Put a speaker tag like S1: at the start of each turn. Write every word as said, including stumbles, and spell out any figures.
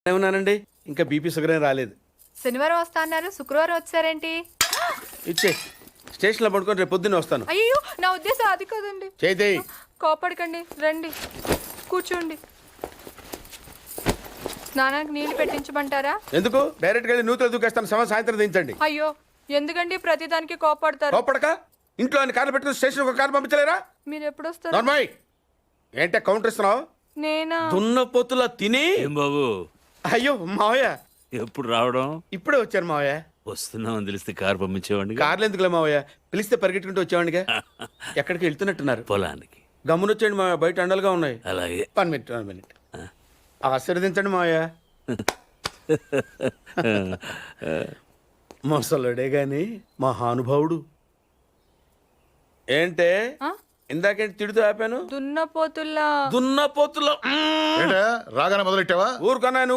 S1: ఏమన్నానండి, ఇంకా BP sugar ఏం రాలేదు.
S2: శనివారం వస్తా అన్నారు, శుక్రవారం వచ్చారేంటి?
S1: ఇచ్చే స్టేషన్లో పడుకొని రేపు పొద్దున్నే వస్తాను.
S2: అయ్యో, నా ఉద్దేశం అది కాదండి.
S1: చేయి
S2: కోపడకండి, రండి కూర్చోండి. స్నానానికి నీళ్లు పెట్టించమంటారా?
S1: ఎందుకు? డైరెక్ట్ గా నూతులు దూకేస్తాను. సమయం సాయంత్రం దించండి.
S2: అయ్యో, ఎందుకండి ప్రతిదానికి కోపడతారు?
S1: కోపడక ఇంట్లో అన్ని కార్లు పెట్టుకుని స్టేషన్ ఒక కారు పంపించలేరా?
S2: మీరు ఎప్పుడు వస్తారు?
S1: నార్మల్ ఏంటే కౌంటర్ ఇస్తున్నావు?
S2: నేనా?
S1: దున్న పొత్తులా తిని.
S3: ఏం బాబు,
S1: అయ్యో మావయ్య,
S3: ఎప్పుడు రావడం?
S1: ఇప్పుడే వచ్చాను మావయ్య.
S3: వస్తున్నామని తెలిస్తే కారు పంపించేవాడిని.
S1: కార్లు ఎందుకులే మావయ్య, పిలిస్తే పరిగెట్టుకుంటూ వచ్చేవాడిగా. ఎక్కడికి వెళ్తున్నట్టున్నారు?
S3: పొలానికి.
S1: గమ్మునొచ్చేయండి మావయ్య, బయట అండలుగా ఉన్నాయి.
S3: అలాగే.
S1: వన్ మినిట్ వన్ మినిట్ ఆశీర్వదించండి మావయ్య. మొసలుడే గాని మహానుభావుడు. ఏంటే
S2: ఆ?
S1: ఇందాకేంటి తిడుతూ ఆపాను?
S2: దున్నపోతుల్లా.
S1: దున్నపోతులో
S4: ఏంటా రాగానే మొదలెట్టావా?
S1: ఊరుకన్నా